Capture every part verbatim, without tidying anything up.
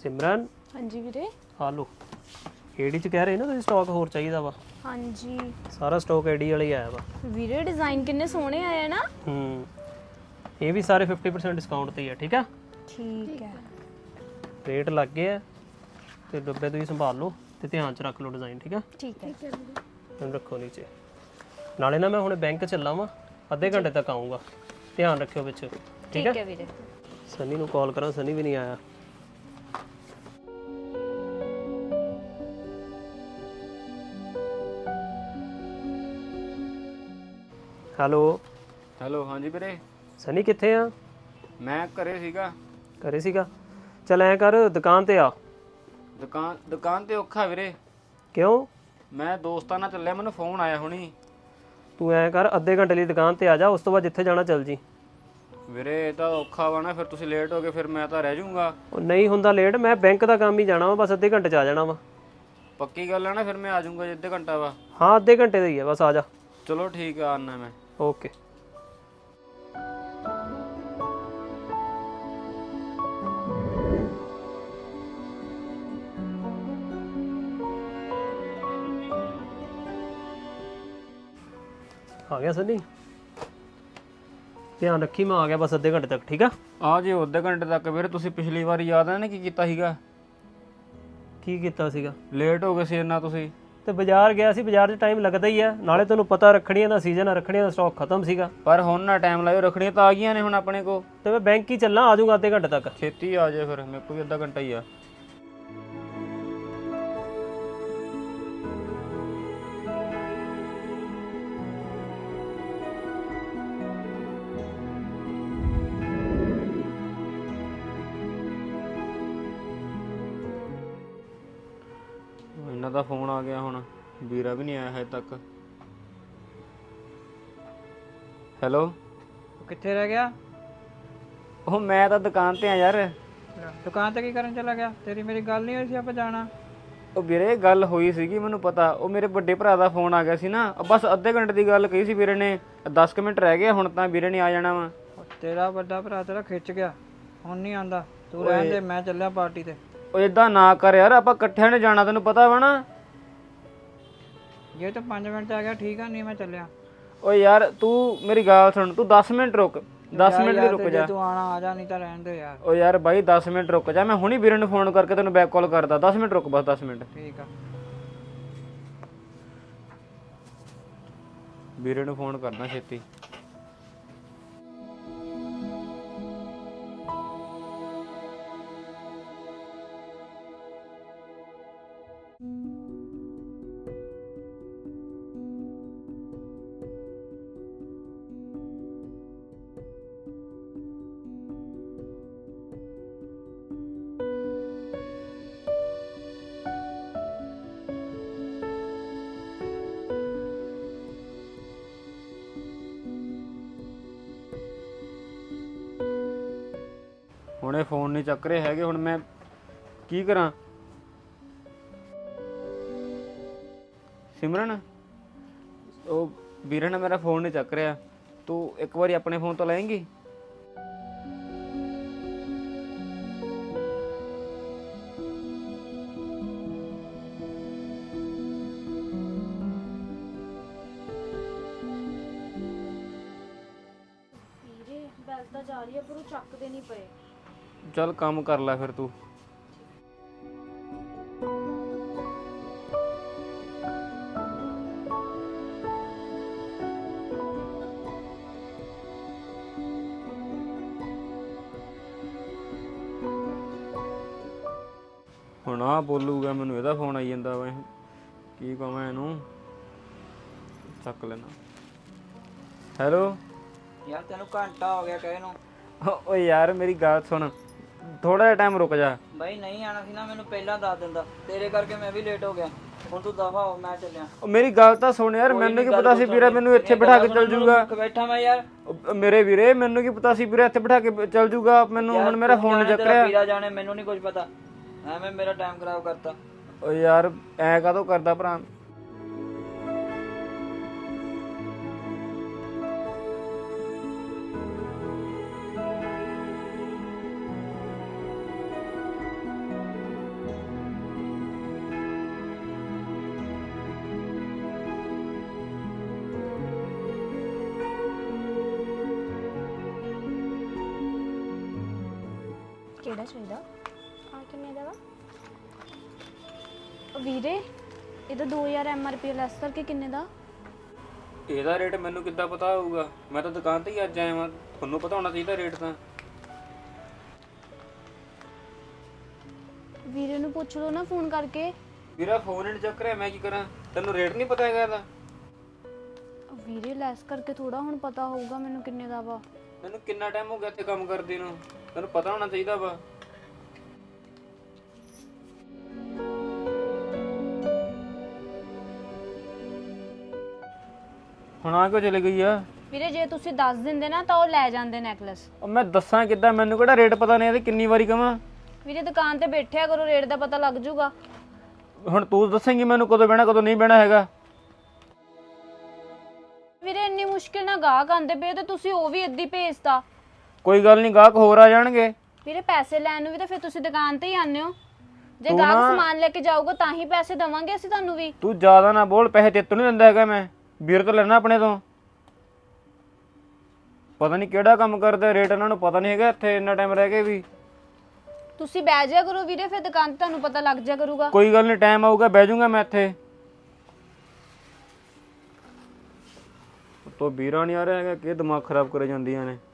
सिमरन हाँ जी वीरे। आ लो एडी च कह रहे ना तुसीं स्टॉक होर चाहिदा वा हाँ जी सारा स्टॉक एडी वाला ही आया वा वीरे डिजाइन कितने सोहने आए ना। हम्म ये भी सारे फिफ्टी परसेंट डिस्काउंट ते ही है ठीक है ठीक है रेट लग गए ते डब्बे तुसीं संभाल लो ते ध्यान च रख लो डिजाइन ठीक है ठीक है तुम रखो नीचे नाले ना मैं हुणे बैंक ਚੱਲਾ ਵਾਂ ਅੱਧੇ ਘੰਟੇ ਤੱਕ ਆਉਂਗਾ ਧਿਆਨ ਰੱਖਿਓ ਵਿੱਚ ਠੀਕ ठीक है है वीरे। सनी ਨੂੰ ਕਾਲ ਕਰਾਂ ਸਨੀ ਵੀ ਨਹੀਂ ਆਇਆ ਹੈਲੋ ਹੈਲੋ ਹਾਂਜੀ ਵੀਰੇ ਸਨੀ ਕਿੱਥੇ ਆ ਮੈਂ ਘਰੇ ਸੀਗਾ। ਘਰੇ ਸੀਗਾ ਚੱਲ ਐ ਕਰ ਦੁਕਾਨ ਤੇ ਆ ਦੁਕਾਨ ਦੁਕਾਨ ਤੇ ਔਖਾ ਵੀਰੇ। ਕਿਉਂ ਮੈਂ ਦੋਸਤਾਂ ਨਾਲ ਚੱਲਿਆ ਮੈਨੂੰ ਫੋਨ ਆਇਆ ਹੁਣੀ। ਤੂੰ ਐ ਕਰ ਅੱਧੇ ਘੰਟੇ ਲਈ ਦੁਕਾਨ ਤੇ ਆ ਜਾ ਉਸ ਤੋਂ ਬਾਅਦ ਜਿੱਥੇ ਜਾਣਾ ਚੱਲ ਜੀ ਵੀਰੇ ਇਹ ਤਾਂ ਔਖਾ ਵਾ ਨਾ ਫਿਰ ਤੁਸੀਂ ਲੇਟ ਹੋ ਗਏ ਫਿਰ ਮੈਂ ਤਾਂ ਰਹਿ ਜਾਊਂਗਾ। ਉਹ ਨਹੀਂ ਹੁੰਦਾ ਲੇਟ ਮੈਂ ਬੈਂਕ ਦਾ ਕੰਮ ਹੀ ਜਾਣਾ ਵਾ ਬਸ ਅੱਧੇ ਘੰਟੇ ਚ ਆ ਜਾਣਾ ਵਾ ਪੱਕੀ ਗੱਲ ਹੈ ਨਾ ਫਿਰ ਮੈਂ ਆ ਜਾਊਂਗਾ ਜੇ ਅੱਧੇ ਘੰਟਾ ਵਾ। ਹਾਂ ਅੱਧੇ ਘੰਟੇ ਦਾ ਹੀ ਆ ਬਸ ਆ ਜਾ ਚਲੋ ਠੀਕ ਆ ਆਨਾ ਮੈਂ। ਓਕੇ ਆ ਗਿਆ ਸਨੀ ਧਿਆਨ ਰੱਖੀ ਮੈਂ ਆ ਗਿਆ ਬਸ ਅੱਧੇ ਘੰਟੇ ਤੱਕ ਠੀਕ ਆ ਆ ਜੇ ਅੱਧੇ ਘੰਟੇ ਤੱਕ ਵੀਰੇ ਤੁਸੀਂ ਪਿਛਲੀ ਵਾਰੀ ਯਾਦ ਹੈ ਨਾ ਕੀ ਕੀਤਾ ਸੀਗਾ ਕੀ ਕੀਤਾ ਸੀਗਾ ਲੇਟ ਹੋ ਗਏ ਸੀ ਇੰਨਾ ਤੁਸੀਂ। ਤੇ ਬਾਜ਼ਾਰ ਗਿਆ ਸੀ ਬਾਜ਼ਾਰ 'ਚ ਟਾਈਮ ਲੱਗਦਾ ਹੀ ਆ ਨਾਲੇ ਤੈਨੂੰ ਪਤਾ ਰੱਖੜੀਆਂ ਦਾ ਸੀਜ਼ਨ ਆ ਰੱਖੜੀਆਂ ਦਾ ਸਟਾਕ ਖਤਮ ਸੀਗਾ ਪਰ ਹੁਣ ਨਾ ਟਾਈਮ ਲਾਇਓ ਰੱਖਣੀਆਂ ਤਾਂ ਆ ਗਈਆਂ ਨੇ ਹੁਣ ਆਪਣੇ ਕੋ। ਤੇ ਮੈਂ ਬੈਂਕ ਹੀ ਚੱਲਾਂ ਆ ਜਾਊਂਗਾ ਅੱਧੇ ਘੰਟੇ ਤੱਕ ਛੇਤੀ ਆ ਜਾਏ ਫਿਰ ਮੇਰੇ ਕੋਲ ਵੀ ਅੱਧਾ ਘੰਟਾ ਹੀ ਆ। ਇਹਨਾਂ ਦਾ ਫੋਨ ਆ ਗਿਆ ਹੁਣ ਵੀਰਾ ਵੀ ਨਹੀਂ ਆਇਆ ਹਜੇ ਤੱਕ। ਹੈਲੋ ਕਿੱਥੇ ਰਹਿ ਗਿਆ? ਉਹ ਮੈਂ ਤਾਂ ਦੁਕਾਨ ਤੇ ਆ ਯਾਰ। ਦੁਕਾਨ ਤੇ ਕੀ ਕਰਨ ਚਲਾ ਗਿਆ? ਤੇਰੀ ਮੇਰੀ ਗੱਲ ਨਹੀਂ ਹੋਈ ਸੀ ਆਪਾਂ ਜਾਣਾ। ਉਹ ਵੀਰੇ ਗੱਲ ਹੋਈ ਸੀਗੀ ਮੈਨੂੰ ਪਤਾ। ਉਹ ਮੇਰੇ ਵੱਡੇ ਭਰਾ ਦਾ ਫੋਨ ਆ ਗਿਆ ਸੀ ਨਾ ਬਸ ਅੱਧੇ ਘੰਟੇ ਦੀ ਗੱਲ ਕਹੀ ਸੀ ਵੀਰੇ ਨੇ। ਦਸ ਕੁ ਮਿੰਟ ਰਹਿ ਗਏ ਹੁਣ ਤਾਂ ਵੀਰੇ ਨੇ ਆ ਜਾਣਾ ਵਾ। ਤੇਰਾ ਵੱਡਾ ਭਰਾ ਤੇਰਾ ਖਿੱਚ ਗਿਆ ਹੁਣ ਨਹੀਂ ਆਂਦਾ। ਤੂੰ ਰਹਿਣ ਦੇ ਮੈਂ ਚੱਲਿਆ ਪਾਰਟੀ ਤੇ। ਉਹ ਇਦਾਂ ਨਾ ਕਰ ਯਾਰ ਆਪਾਂ ਇਕੱਠਿਆਂ ਨੇ ਜਾਣਾ ਤੈਨੂੰ ਪਤਾ ਵਾ ਨਾ। ਜੇ ਤੂੰ ਪੰਜ ਮਿੰਟ 'ਚ ਆ ਗਿਆ ਠੀਕ ਆ ਨਹੀਂ ਮੈਂ ਚੱਲਿਆ। ਓਏ ਯਾਰ ਤੂੰ ਮੇਰੀ ਗੱਲ ਸੁਣ ਤੂੰ ਦਸ ਮਿੰਟ ਰੁਕ ਦਸ ਮਿੰਟ ਲਈ ਰੁਕ ਜਾ। ਤੂੰ ਆਣਾ ਆ ਜਾ ਨਹੀਂ ਤਾਂ ਰਹਿਣ ਦੇ ਯਾਰ। ਓ ਯਾਰ ਬਾਈ ਦਸ ਮਿੰਟ ਰੁਕ ਜਾ ਮੈਂ ਹੁਣੀ ਵੀਰੇ ਨੂੰ ਫੋਨ ਕਰਕੇ ਤੈਨੂੰ ਬੈਕ ਕਾਲ ਕਰਦਾ। ਦਸ ਮਿੰਟ ਰੁਕ ਬਸ ਦਸ ਮਿੰਟ। ਠੀਕ ਆ ਵੀਰੇ ਨੂੰ ਫੋਨ ਕਰਨਾ ਛੇਤੀ। ਹੁਣ ਇਹ ਫੋਨ ਨਹੀਂ ਚੱਕ ਰਹੇ ਹੈਗੇ ਹੁਣ ਮੈਂ ਕੀ ਕਰਾਂ। ਸਿਮਰਨ ਉਹ ਵੀਰੇ ਨੇ ਮੇਰਾ ਫੋਨ ਨਹੀਂ ਚੱਕ ਰਿਹਾ ਤੂੰ ਇੱਕ ਵਾਰੀ ਆਪਣੇ ਫੋਨ ਤੋਂ ਲਏਂਗੀ। ਵੀਰੇ ਬੈਲ ਤਾਂ ਜਾ ਰਹੀ ਹੈ ਪਰ ਉਹ ਚੱਕਦੇ ਨਹੀਂ ਪਏ। ਚੱਲ ਕੰਮ ਕਰ ਲੈ ਫਿਰ ਤੂੰ। ਹੁਣ ਆ ਬੋਲੂਗਾ ਮੈਨੂੰ ਇਹਦਾ ਫੋਨ ਆਈ ਜਾਂਦਾ ਵਾ ਕੀ ਕਹਾਂ ਇਹਨੂੰ। ਚੱਕ ਲੈਣਾ। ਹੈਲੋ ਯਾਰ ਤੈਨੂੰ ਘੰਟਾ ਹੋ ਗਿਆ ਕਹੇ ਨੂੰ। ਓਏ ਯਾਰ ਮੇਰੀ ਗੱਲ ਸੁਣ ਥੋੜਾ ਜਿਹਾ ਟਾਈਮ ਰੁਕ ਜਾ। ਬਾਈ ਨਹੀਂ ਆਣਾ ਸੀ ਨਾ ਮੈਨੂੰ ਪਹਿਲਾਂ ਦੱਸ ਦਿੰਦਾ। ਤੇਰੇ ਕਰਕੇ ਮੈਂ ਵੀ ਲੇਟ ਹੋ ਗਿਆ। ਹੁਣ ਤੂੰ ਦਫਾ ਹੋ ਮੈਂ ਚੱਲਿਆ। ਉਹ ਮੇਰੀ ਗੱਲ ਤਾਂ ਸੁਣ ਯਾਰ ਮੈਨੂੰ ਕੀ ਪਤਾ ਸੀ ਵੀਰਾ ਮੈਨੂੰ ਇੱਥੇ ਬਿਠਾ ਕੇ ਚੱਲ ਜੂਗਾ। ਬੈਠਾ ਮੈਂ ਯਾਰ। ਉਹ ਮੇਰੇ ਵੀਰੇ ਮੈਨੂੰ ਕੀ ਪਤਾ ਸੀ ਵੀਰਾ ਇੱਥੇ ਬਿਠਾ ਕੇ ਚੱਲ ਜੂਗਾ। ਮੈਨੂੰ ਹੁਣ ਮੇਰਾ ਫੋਨ ਨਹੀਂ ਚੱਕ ਰਿਹਾ। ਵੀਰਾ ਜਾਣੇ ਮੈਨੂੰ ਨਹੀਂ ਕੁਝ ਪਤਾ ਐਵੇਂ ਮੇਰਾ ਟਾਈਮ ਖਰਾਬ ਕਰਤਾ। ਓ ਯਾਰ ਐ ਕਾਹਤੋਂ ਕਰਦਾ ਭਰਾ। ਕਿਹੜਾ ਚਾਹੀਦਾ? ਆ ਕਿੰਨੇ ਦਾ ਵਾ? ਉਹ ਵੀਰੇ ਇਹਦਾ ਦੋ ਹਜ਼ਾਰ ਐਮਆਰਪੀ ਲੈਸ ਕਰਕੇ ਕਿੰਨੇ ਦਾ? ਇਹਦਾ ਰੇਟ ਮੈਨੂੰ ਕਿੱਦਾਂ ਪਤਾ ਹੋਊਗਾ? ਮੈਂ ਤਾਂ ਦੁਕਾਨ ਤੇ ਹੀ ਅੱਜ ਆਇਆ ਵਾਂ, ਤੁਹਾਨੂੰ ਪਤਾ ਹੋਣਾ ਚਾਹੀਦਾ ਰੇਟ ਤਾਂ। ਵੀਰੇ ਨੂੰ ਪੁੱਛ ਲਓ ਨਾ ਫੋਨ ਕਰਕੇ। ਵੀਰਾ ਫੋਨ ਹੀ ਚੱਕ ਰਿਹਾ, ਮੈਂ ਕੀ ਕਰਾਂ? ਤੈਨੂੰ ਰੇਟ ਨਹੀਂ ਪਤਾ ਹੈਗਾ ਇਹਦਾ? ਵੀਰੇ ਲੈਸ ਕਰਕੇ ਥੋੜਾ ਹੁਣ ਪਤਾ ਹੋਊਗਾ ਮੈਨੂੰ ਕਿੰਨੇ ਦਾ ਵਾ। ਮੈਨੂੰ ਕਿੰਨਾ ਟਾਈਮ ਹੋ ਗਿਆ ਇੱਥੇ ਕੰਮ ਕਰਦੇ ਨੂੰ, ਤੈਨੂੰ ਪਤਾ ਹੋਣਾ ਚਾਹੀਦਾ ਵਾ। ਹੁਣ ਆ ਕਿਉਂ ਚਲੇ ਗਈ ਆ? ਵੀਰੇ ਜੇ ਤੁਸੀਂ ਦੱਸ ਦਿੰਦੇ ਨਾ ਤਾਂ ਉਹ ਲੈ ਜਾਂਦੇ ਨੈਕਲੈਸ। ਉਹ ਮੈਂ ਦੱਸਾਂ ਕਿੱਦਾਂ? ਮੈਨੂੰ ਕਿਹੜਾ ਰੇਟ ਪਤਾ ਨਹੀਂ ਇਹਦੇ, ਕਿੰਨੀ ਵਾਰੀ ਕਵਾਂ? ਵੀਰੇ ਦੁਕਾਨ ਤੇ ਬੈਠਿਆ ਕਰੋ, ਰੇਟ ਦਾ ਪਤਾ ਲੱਗ ਜੂਗਾ। ਹੁਣ ਤੂੰ ਦੱਸੇਂਗੀ ਮੈਨੂੰ ਕਦੋਂ ਬਹਿਣਾ ਕਦੋਂ ਨਹੀਂ ਬਹਿਣਾ ਹੈਗਾ? ਵੀਰੇ ਇੰਨੀ ਮੁਸ਼ਕਿਲ ਨਾਲ ਗਾਹਕ ਆਂਦੇ ਪਏ ਤੇ ਤੁਸੀਂ ਉਹ ਵੀ ਏਦਾਂ ਹੀ ਭੇਜਤਾ। ਕੋਈ ਗੱਲ ਨਹੀਂ, ਗਾਹਕ ਹੋਰ ਆ ਜਾਣਗੇ। ਵੀਰੇ ਪੈਸੇ ਲੈਣ ਨੂੰ ਵੀ ਤਾਂ ਫਿਰ ਤੁਸੀਂ ਦੁਕਾਨ ਤੇ ਹੀ ਆਉਂਦੇ ਹੋ। ਜੇ ਗਾਹਕ ਸਮਾਨ ਲੈ ਕੇ ਜਾਊਗਾ ਤਾਂ ਹੀ ਪੈਸੇ ਦੇਵਾਂਗੇ ਅਸੀਂ ਤੁਹਾਨੂੰ ਵੀ। ਤੂੰ ਜ਼ਿਆਦਾ ਨਾ ਬੋਲ, ਪੈਸੇ ਤੇਤੋਂ ਨਹੀਂ ਦਿੰਦਾ ਹੈਗਾ ਮੈਂ, ਵੀਰ ਤੋਂ ਲੈਣਾ ਆਪਣੇ ਤੋਂ। ਪਤਾ ਨਹੀਂ ਕਿਹੜਾ ਕੰਮ ਕਰਦੇ, ਰੇਟ ਇਹਨਾਂ ਨੂੰ ਪਤਾ ਨਹੀਂ ਹੈਗਾ ਇੱਥੇ ਇੰਨਾ ਟਾਈਮ ਰਹਿ ਕੇ ਵੀ। ਤੁਸੀਂ ਬਹਿ ਜਾਇਆ ਕਰੋ ਵੀਰੇ, ਫਿਰ ਦੁਕਾਨ ਤੇ ਤੁਹਾਨੂੰ ਪਤਾ ਲੱਗ ਜਾਇਆ ਕਰੂਗਾ। ਕੋਈ ਗੱਲ ਨਹੀਂ, ਟਾਈਮ ਆਊਗਾ ਬਹਿ ਜਾਊਂਗਾ ਮੈਂ ਇੱਥੇ। ਤੋ ਵੀਰਾ ਨਹੀਂ ਆ ਰਿਹਾ ਹੈਗਾ, ਕਿ ਦਿਮਾਗ ਖਰਾਬ ਕਰੇ ਜਾਂਦੀਆਂ ਨੇ।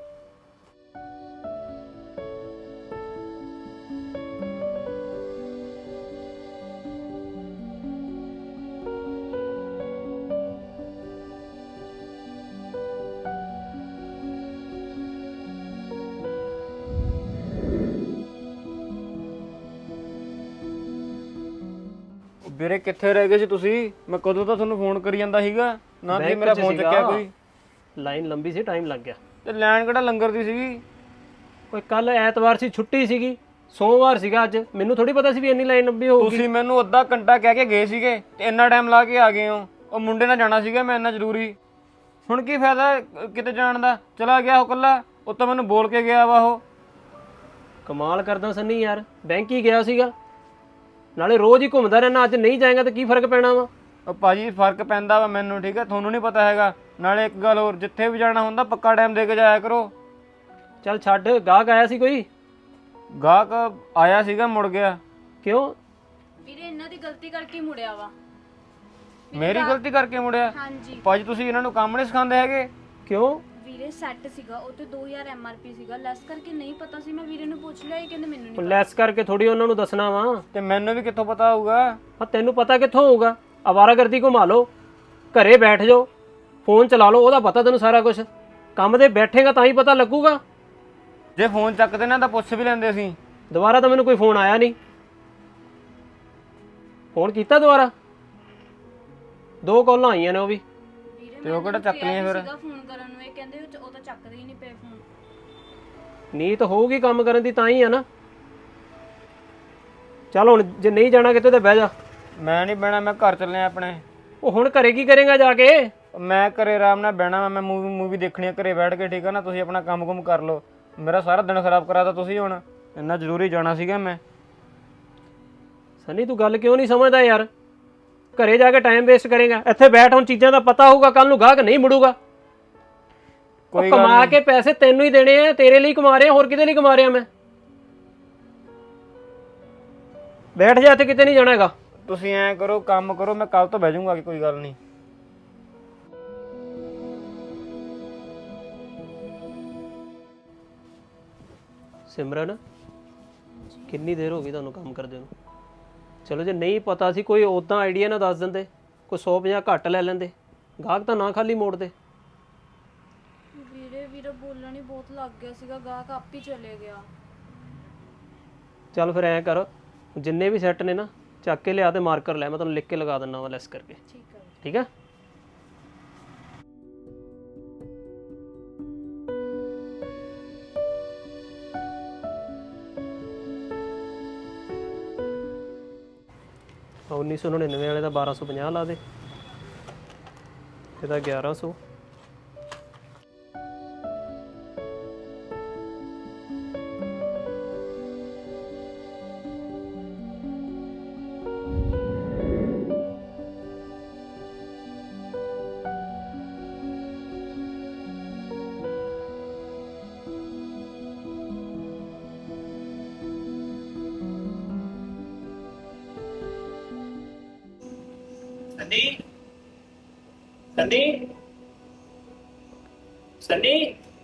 ਵੀਰੇ ਕਿੱਥੇ ਰਹਿ ਗਏ ਸੀ ਤੁਸੀਂ? ਮੈਂ ਕਦੋਂ ਤਾਂ ਤੁਹਾਨੂੰ ਫੋਨ ਕਰੀ ਜਾਂਦਾ ਸੀਗਾ, ਨਾ ਤੁਸੀਂ ਮੇਰਾ ਫੋਨ ਚੱਕਿਆ ਕੋਈ। ਲਾਈਨ ਲੰਬੀ ਸੀ, ਟਾਈਮ ਲੱਗ ਗਿਆ। ਤੇ ਲੈਣ ਕਿਹੜਾ ਲੰਗਰ ਦੀ ਸੀਗੀ? ਓਏ ਕੱਲ ਐਤਵਾਰ ਸੀ, ਛੁੱਟੀ ਸੀਗੀ। ਸੋਮਵਾਰ ਸੀਗਾ ਅੱਜ, ਮੈਨੂੰ ਥੋੜੀ ਪਤਾ ਸੀ ਵੀ ਇੰਨੀ ਲਾਈਨ ਲੰਬੀ ਹੋਊਗੀ। ਤੁਸੀਂ ਮੈਨੂੰ ਅੱਧਾ ਘੰਟਾ ਕਹਿ ਕੇ ਗਏ ਸੀਗੇ ਤੇ ਇੰਨਾ ਟਾਈਮ ਲਾ ਕੇ ਆ ਗਏ ਹੋ। ਉਹ ਮੁੰਡੇ ਨਾਲ ਜਾਣਾ ਸੀਗਾ ਮੈਂ, ਇੰਨਾ ਜ਼ਰੂਰੀ। ਹੁਣ ਕੀ ਫਾਇਦਾ ਕਿਤੇ ਜਾਣ ਦਾ? ਚਲਾ ਗਿਆ ਉਹ ਕੱਲਾ, ਉਹ ਤਾਂ ਮੈਨੂੰ ਬੋਲ ਕੇ ਗਿਆ ਵਾ। ਉਹ ਕਮਾਲ ਕਰਦਾ ਸੰਨੀ ਯਾਰ, ਬੈਂਕ ਹੀ ਗਿਆ ਸੀਗਾ, ਨਾਲੇ ਰੋਜ਼ ਹੀ ਘੁੰਮਦਾ ਰਹਿਣਾ। ਅੱਜ ਨਹੀਂ ਜਾਏਗਾ ਤਾਂ ਕੀ ਫਰਕ ਪੈਣਾ ਵਾ? ਉਹ ਭਾਜੀ ਫਰਕ ਪੈਂਦਾ ਵਾ ਮੈਨੂੰ, ਠੀਕ ਹੈ? ਤੁਹਾਨੂੰ ਨਹੀਂ ਪਤਾ ਹੈਗਾ। ਨਾਲੇ ਇੱਕ ਗੱਲ ਹੋਰ, ਜਿੱਥੇ ਵੀ ਜਾਣਾ ਹੁੰਦਾ ਪੱਕਾ ਟਾਈਮ ਦੇ ਕੇ ਜਾਇਆ ਕਰੋ। ਚੱਲ ਛੱਡ, ਗਾਹਕ ਆਇਆ ਸੀ ਕੋਈ? ਗਾਹਕ ਆਇਆ ਸੀਗਾ, ਮੁੜ ਗਿਆ। ਕਿਉਂ? ਵੀਰੇ ਇਹਨਾਂ ਦੀ ਗਲਤੀ ਕਰਕੇ ਮੁੜਿਆ ਵਾ। ਮੇਰੀ ਗਲਤੀ ਕਰਕੇ ਮੁੜਿਆ? ਹਾਂਜੀ ਭਾਜੀ ਤੁਸੀਂ ਇਹਨਾਂ ਨੂੰ ਕੰਮ ਨਹੀਂ ਸਿਖਾਉਂਦੇ ਹੈਗੇ? ਕਿਉਂ? ਵੀਰੇ ਸੈੱਟ ਸੀਗਾ, ਉਹ ਤੇ ਦੋ ਹਜ਼ਾਰ ਐਮਆਰਪੀ ਸੀਗਾ, ਲੈਸ ਕਰਕੇ ਨਹੀਂ ਪਤਾ ਸੀ। ਮੈਂ ਵੀਰੇ ਨੂੰ ਪੁੱਛ ਲਿਆ, ਇਹ ਕਹਿੰਦੇ ਮੈਨੂੰ ਨਹੀਂ। ਲੈਸ ਕਰਕੇ ਥੋੜੀ ਉਹਨਾਂ ਨੂੰ ਦੱਸਣਾ ਵਾ। ਤੇ ਮੈਨੂੰ ਵੀ ਕਿੱਥੋਂ ਪਤਾ ਹੋਊਗਾ? ਹਾਂ ਤੈਨੂੰ ਪਤਾ ਕਿੱਥੋਂ ਹੋਊਗਾ? ਅਵਾਰਾਗਰਦੀ ਘੁਮਾ ਲਓ, ਘਰੇ ਬੈਠ ਜਾਓ, ਫੋਨ ਚਲਾ ਲਓ, ਉਹਦਾ ਪਤਾ ਤੈਨੂੰ ਸਾਰਾ ਕੁਝ। ਕੰਮ ਤੇ ਬੈਠੇਗਾ ਤਾਂ ਹੀ ਪਤਾ ਲੱਗੂਗਾ। ਜੇ ਫੋਨ ਚੱਕਦੇ ਨਾ ਤਾਂ ਪੁੱਛ ਵੀ ਲੈਂਦੇ ਸੀ। ਦੁਬਾਰਾ ਤਾਂ ਮੈਨੂੰ ਕੋਈ ਫੋਨ ਆਇਆ ਨਹੀਂ। ਫੋਨ ਕੀਤਾ ਦੁਬਾਰਾ? ਦੋ ਕਾਲਾਂ ਆਈਆਂ ਨੇ ਉਹ ਵੀ। ਤੇ ਉਹ ਕਿਹੜਾ ਚੱਕ ਲਈਆਂ ਫਿਰ? ਫੋਨ ਕਰਨ ਨੂੰ ਇਹ ਕਹਿੰਦੇ ਉਹ ਤਾਂ ਚੱਕਦੇ ਹੀ ਨਹੀਂ ਪਏ ਫੋਨ। ਨੀਤ ਹੋਊਗੀ ਕੰਮ ਕਰਨ ਦੀ ਤਾਂ ਹੀ ਆ ਨਾ। ਚੱਲ ਹੁਣ ਜੇ ਨਹੀਂ ਜਾਣਾ ਕਿਤੇ ਤਾਂ ਬਹਿ ਜਾ। ਮੈਂ ਨਹੀਂ ਬਹਿਣਾ, ਮੈਂ ਘਰ ਚੱਲਿਆ ਆਪਣੇ। ਉਹ ਹੁਣ ਘਰੇ ਕੀ ਕਰੇਗਾ ਜਾ ਕੇ? ਮੈਂ ਘਰੇ ਆਰਾਮ ਨਾਲ ਬਹਿਣਾ, ਮੈਂ ਮੂਵੀ ਮੂਵੀ ਦੇਖਣੀ ਆ ਘਰੇ ਬੈਠ ਕੇ, ਠੀਕ ਆ ਨਾ? ਤੁਸੀਂ ਆਪਣਾ ਕੰਮ ਕੁਮ ਕਰ ਲਓ। ਮੇਰਾ ਸਾਰਾ ਦਿਨ ਖਰਾਬ ਕਰਾਤਾ ਤੁਸੀਂ। ਹੁਣ ਇੰਨਾ ਜ਼ਰੂਰੀ ਜਾਣਾ ਸੀਗਾ ਮੈਂ। ਸਨੀ ਤੂੰ ਗੱਲ ਕਿਉਂ ਨਹੀਂ ਸਮਝਦਾ ਯਾਰ? ਘਰੇ ਜਾ ਕੇ ਟਾਈਮ ਵੇਸਟ ਕਰੇਗਾ, ਇੱਥੇ ਬੈਠ। ਹੁਣ ਚੀਜ਼ਾਂ ਦਾ ਪਤਾ ਹੋਊਗਾ, ਕੱਲ ਨੂੰ ਗਾਹਕ ਨਹੀਂ ਮੁੜੂਗਾ। ਕੋਈ ਕਮਾ ਕੇ ਪੈਸੇ ਤੈਨੂੰ ਹੀ ਦੇਣੇ ਆ, ਤੇਰੇ ਲਈ ਕਮਾ ਰਿਹਾ, ਹੋਰ ਕਿਤੇ ਲਈ ਕਮਾ ਰਿਹਾ ਮੈਂ। ਬੈਠ ਜਾ, ਇੱਥੇ ਕਿਤੇ ਨਹੀਂ ਜਾਣਾ ਹੈਗਾ। ਤੁਸੀਂ ਐਂ ਕਰੋ, ਕੰਮ ਕਰੋ, ਮੈਂ ਕੱਲ ਤੋਂ ਬਹਿ ਜਾਊਂਗਾ, ਕੋਈ ਗੱਲ ਨਹੀਂ। ਸਿਮਰਨ ਕਿੰਨੀ ਦੇਰ ਹੋ ਗਈ ਤੁਹਾਨੂੰ ਕੰਮ ਕਰਦੇ ਨੂੰ? ਚਲੋ ਜੇ ਨਹੀਂ ਪਤਾ ਸੀ ਕੋਈ ਉਦਾਂ ਆਈਡੀਆ ਨਾ ਦੱਸ ਦਿੰਦੇ, ਕੋਈ ਸੌ ਪੰਜਾਹ ਘੱਟ ਲੈ ਲੈਂਦੇ, ਗਾਹਕ ਤਾਂ ਨਾ ਖਾਲੀ ਮੋੜਦੇ। ਵੀਰੇ ਵੀਰੇ ਬੋਲਣ ਹੀ ਬਹੁਤ ਲੱਗ ਗਿਆ ਸੀਗਾ, ਗਾਹਕ ਆਪ ਹੀ ਚਲੇ ਗਿਆ। ਚੱਲ ਫਿਰ ਐਂ ਕਰ, ਜਿੰਨੇ ਵੀ ਸੈੱਟ ਨੇ ਨਾ ਚੱਕ ਕੇ ਲਿਆ ਤੇ ਮਾਰਕਰ ਲੈ, ਮੈਂ ਤੁਹਾਨੂੰ ਲਿਖ ਕੇ ਲਗਾ ਦਿੰਦਾ ਵਾ ਲੈਸ ਕਰਕੇ। ਠੀਕ ਹੈ ਠੀਕ ਹੈ? ਉੱਨੀ ਸੌ ਨੜਿਨਵੇਂ ਵਾਲੇ ਦਾ ਬਾਰਾਂ ਸੌ ਪੰਜਾਹ ਲਾ ਦੇ, ਇਹਦਾ ਗਿਆਰਾਂ ਸੌ। ਸੰਨੀ ਸੰਨੀ ਸੰਨੀ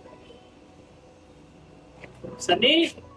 ਸੰਨੀ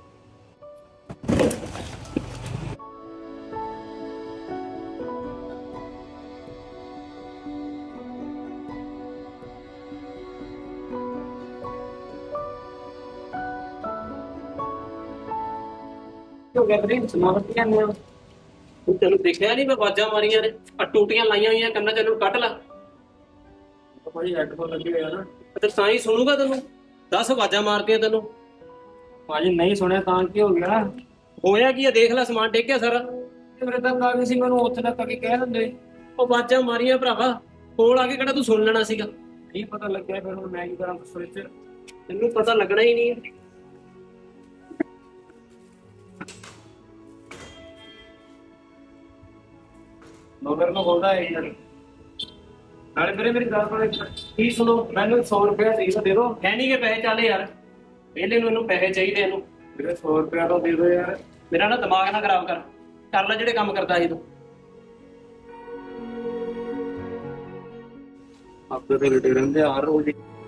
ਕਿਉਂ ਕਹਿ ਰਹੇ ਸਮਾਨ ਕੀ ਆਨੇ ਆ ਤੂੰ ਤੈਨੂੰ ਦੇਖਿਆ ਨਹੀਂ ਮੈਂ ਆਵਾਜ਼ਾਂ ਮਾਰੀਆਂ ਨੇ ਆ ਟੂਟੀਆਂ ਲਾਈਆਂ ਹੋਈਆਂ ਕੰਨਾਂ ਚ ਇਹਨੂੰ ਕੱਢ ਲਾ ਭਾਜੀ ਹੈੱਡਫੋਨ ਲੱਗੇ ਹੋਏ ਆ ਨਾ ਤੇ ਸਾਈ ਸੁਣੂਗਾ ਤੈਨੂੰ ਦਸ ਆਵਾਜ਼ਾਂ ਮਾਰਦੀਆਂ ਤੈਨੂੰ ਭਾਜੀ ਨਹੀਂ ਸੁਣਿਆ ਤਾਂ ਕੀ ਹੋ ਗਿਆ ਹੋਇਆ ਕੀ ਆ ਦੇਖ ਲੈ ਸਮਾਨ ਡਿੱਗ ਗਿਆ ਸਾਰਾ ਮੇਰੇ ਤਾਂ ਆ ਗਈ ਸੀ ਮੈਨੂੰ ਉੱਥੇ ਤੱਕ ਆ ਕੇ ਕਹਿ ਦਿੰਦੇ ਉਹ ਆਵਾਜ਼ਾਂ ਮਾਰੀਆਂ ਭਰਾਵਾ ਕੋਲ ਆ ਕੇ ਕਿਹੜਾ ਤੂੰ ਸੁਣ ਲੈਣਾ ਸੀਗਾ ਨਹੀਂ ਪਤਾ ਲੱਗਿਆ ਫਿਰ ਹੁਣ ਮੈਂ ਕੀ ਕਰਾਂ ਦੱਸੋ ਇੱਥੇ ਤੈਨੂੰ ਪਤਾ ਲੱਗਣਾ ਹੀ ਨਹੀਂ ਨੌਕਰ ਨੂੰ ਬੋਲਦਾ ਹੈ ਯਾਰ ਨਾਲੇ ਵੀਰੇ ਮੇਰੀ ਗੱਲ ਸੁਣੋ ਕੀ ਸੁਣੋ ਮੈਨੂੰ ਸੌ ਰੁਪਇਆ ਚਾਹੀਦਾ ਦੇ ਦਿਓ ਹੈ ਨਹੀਂ ਕਿ ਪੈਸੇ ਚੱਲ ਯਾਰ ਪਹਿਲੇ ਨੂੰ ਇਹਨੂੰ ਪੈਸੇ ਚਾਹੀਦੇ ਇਹਨੂੰ ਵੀਰੇ ਸੌ ਰੁਪਇਆ ਤਾਂ ਦੇ ਦਿਓ ਯਾਰ ਮੇਰਾ ਨਾ ਦਿਮਾਗ ਨਾ ਖਰਾਬ ਕਰ ਕਰ ਲੈ ਜਿਹੜੇ ਕੰਮ ਕਰਦਾ ਸੀ ਤੂੰ ਆਪੇ ਤੇ ਲਟੇ ਰਹਿੰਦੇ ਆ ਹਰ ਰੋਜ਼